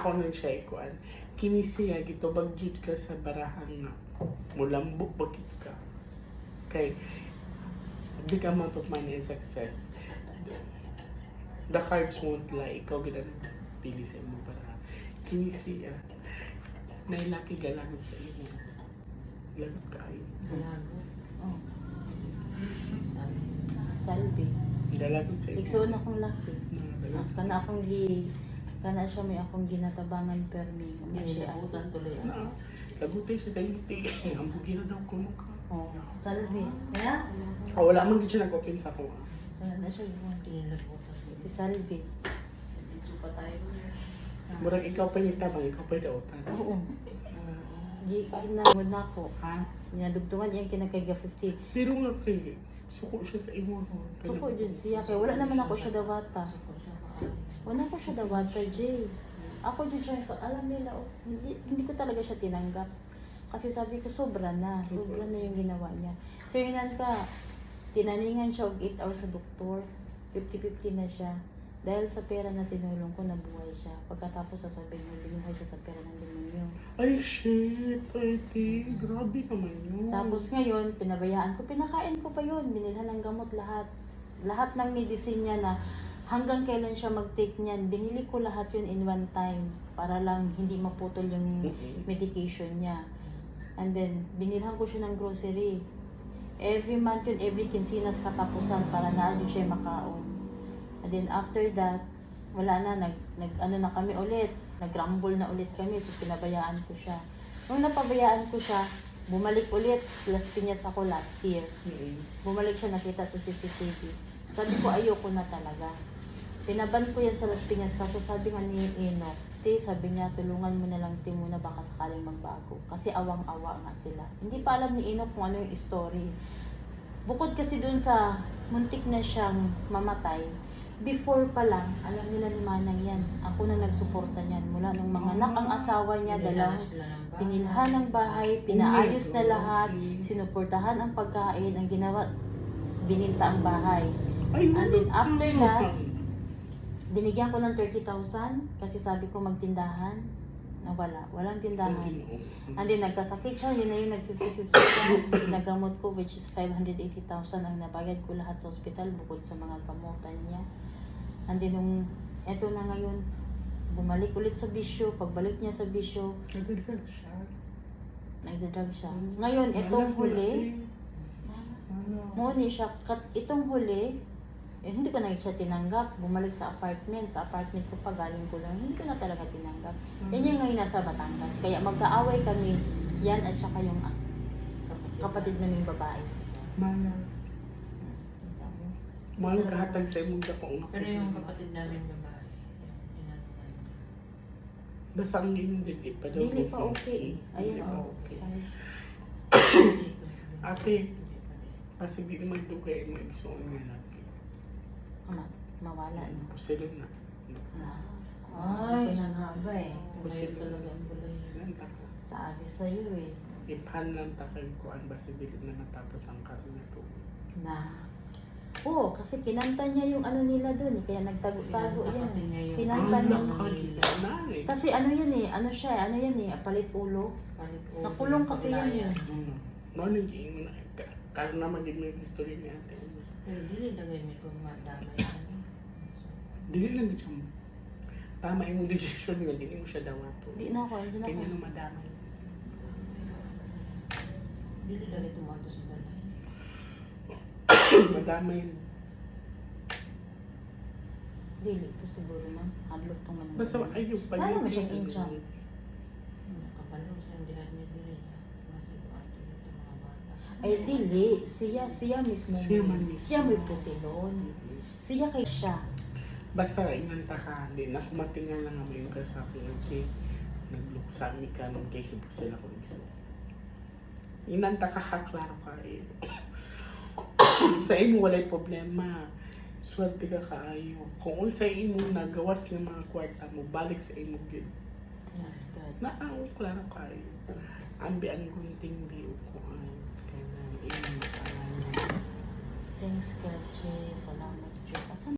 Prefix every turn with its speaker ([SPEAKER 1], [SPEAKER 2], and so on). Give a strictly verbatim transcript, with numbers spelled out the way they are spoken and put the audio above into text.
[SPEAKER 1] ako nang siya ikuan. Kini siya gito bagjud ka sa barahan nga mulambok bakit ka. Kay big amount of money and success. The cards won't lie. Ikaw gina pili sa imo para kini siya nailaki galagot sa imo. Lagot kaayo.
[SPEAKER 2] Galagot.
[SPEAKER 3] Oh. Salvi.
[SPEAKER 1] Galagot sa imo.
[SPEAKER 3] Igsoon akong laki.
[SPEAKER 1] Mga
[SPEAKER 3] Ah, kana akong gi kana siya may akong ginatabangan permi. Ano siya?
[SPEAKER 2] Nilabutan tuloy ako.
[SPEAKER 1] Na, lagutin siya sa inti. Ang bugiro daw ko mukha.
[SPEAKER 3] Oh, Salvi. Kaya
[SPEAKER 1] Ah, wala man gid siya nag-open sa ko.
[SPEAKER 3] wala na siya gawin.
[SPEAKER 2] Nilabutan tuloy.
[SPEAKER 3] Si Salvi.
[SPEAKER 2] Dito pa tayo.
[SPEAKER 1] Murag ikaw pa yung tabang, ikaw pa yung dautan.
[SPEAKER 3] Oo. Gi ginamod na ako. Ha? Ginadugtungan niya yung kinakaiga fifty.
[SPEAKER 1] Pero nga kay, suko siya sa imo.
[SPEAKER 3] Suko jud siya kay wala naman ako siya dawata. Wala ko siya dawata, Jay. Ako jud siya alam nila oh, hindi, hindi ko talaga siya tinanggap. Kasi sabi ko sobra na, sobra na yung ginawa niya. So yun ka, tinaningan siya og eight hours sa doktor. fifty fifty na siya. Dahil sa pera na tinulong ko, nabuhay siya. Pagkatapos sasabihin mo, binuhay siya sa pera ng demonyo.
[SPEAKER 1] Ay, shit, Ate. Grabe naman yun.
[SPEAKER 3] Tapos ngayon, pinabayaan ko, pinakain ko pa yun. Binilhan ng gamot lahat. Lahat ng medicine niya na hanggang kailan siya mag-take niyan. Binili ko lahat yun in one time para lang hindi maputol yung medication niya. And then, binilhan ko siya ng grocery. Every month yun, every kinsinas katapusan para na siya makaon. And then after that, wala na, nag, nag ano na kami ulit. Nag-rumble na ulit kami, so pinabayaan ko siya. Nung napabayaan ko siya, bumalik ulit. Las Piñas ako last year. Bumalik siya, nakita sa C C T V. Sabi ko, ayoko na talaga. Pinaban ko yan sa Las Piñas, kaso sabi nga ni Eno, te, sabi niya, tulungan mo na lang te muna, baka sakaling magbago. Kasi awang-awa nga sila. Hindi pa alam ni Eno kung ano yung story. Bukod kasi dun sa muntik na siyang mamatay, before pa lang, alam nila ni Manang yan. Ako na nagsuporta niyan. Mula nung mga anak ang asawa niya, dalawang pinilhan ng bahay, pinaayos na lahat, sinuportahan ang pagkain, ang ginawa, bininta ang bahay. And then after that, binigyan ko ng thirty thousand kasi sabi ko magtindahan. Nawala, walang tindahan. And then nagkasakit siya, yun na yung nag-fifty fifty siya. Nagamot ko which is five hundred eighty thousand ang nabayad ko lahat sa ospital bukod sa mga gamutan niya. And then nung eto na ngayon, bumalik ulit sa bisyo. Pagbalik niya sa bisyo,
[SPEAKER 1] Nagdadrag siya.
[SPEAKER 3] nagdadrag siya. Ngayon, itong huli, muni siya, kat, itong huli, eh, hindi ko na siya tinanggap. Bumalik sa apartment. Sa apartment ko pa, galing ko lang. Hindi ko na talaga tinanggap. Yan yung ngayon nasa Batangas. Kaya magkaaway kami, yan at saka yung ah, kapatid naming babae.
[SPEAKER 1] Malas. Mahal kahatag sa imong dakong na.
[SPEAKER 2] Pero yung kapatid namin babae, inanungan.
[SPEAKER 1] Basta ang inyong dili pa daw.
[SPEAKER 3] Hindi pa okay eh.
[SPEAKER 1] Hindi
[SPEAKER 3] Ayun
[SPEAKER 1] pa
[SPEAKER 3] oh.
[SPEAKER 1] okay.
[SPEAKER 3] Ay,
[SPEAKER 1] Ate, kasi di naman dugay mo igsoon nga natin.
[SPEAKER 3] ama, mawala na.
[SPEAKER 1] Pusilo na.
[SPEAKER 3] Ay, pinanghaba eh.
[SPEAKER 2] Pusilo talaga ang bulay.
[SPEAKER 1] Lanta ko.
[SPEAKER 3] Sabi sa'yo eh.
[SPEAKER 1] Ipan lang takal ko ang basta dili na matapos ang karon na to.
[SPEAKER 3] Na. Oo, kasi kinanta niya yung ano nila dun eh. Kaya nagtago-tago
[SPEAKER 2] Pinanta
[SPEAKER 3] yan.
[SPEAKER 2] kasi niya yung-
[SPEAKER 3] Pinanta
[SPEAKER 1] Ang
[SPEAKER 3] niya.
[SPEAKER 1] nakagila na eh.
[SPEAKER 3] Kasi ano yan eh, ano siya eh, ano yan eh, palit ulo.
[SPEAKER 2] Palit ulo.
[SPEAKER 3] Nakulong kasi yan
[SPEAKER 2] Paglayan.
[SPEAKER 3] eh.
[SPEAKER 1] Hmm. Mao nang giingon na karon na maging may history ni ate.
[SPEAKER 2] Pero dili lagay mo kung madamay yan.
[SPEAKER 1] Dili lang gid siya. Tama imong decision nga dili mo siya dawato.
[SPEAKER 3] Di na ako, hindi na ako.
[SPEAKER 1] Kanya nang madamay.
[SPEAKER 2] Dili lagay tumato sa balay.
[SPEAKER 1] Madamay.
[SPEAKER 3] Dili, ito siguro man. Hadlok tong man.
[SPEAKER 1] Basta ayaw pa
[SPEAKER 3] Lalo mo siyang incha.
[SPEAKER 2] Nakapalo siya ang dihan niya dili. Masiguado nito mga bata.
[SPEAKER 3] Ay, dili. Siya, siya mismo.
[SPEAKER 1] Siya man mismo.
[SPEAKER 3] Siya may pusilon. Siya kay siya.
[SPEAKER 1] Basta inanta ka, di na kumatingan lang ang yung kasapin ng si nagluksa mi ka nung kay hibo sila ko iso. Inanta ka ha, klaro ka eh. Sa imo walay problema. Swerte ka kaayo. Kung unsa imo nagawas ng mga kwarta mo, balik sa imo gid.
[SPEAKER 3] Yes, God.
[SPEAKER 1] Naaw, klaro kaayo. Ambian gunting biyo ko ay kaya imo.
[SPEAKER 3] Thanks, God. Jay. Salamat, Diyos. Asan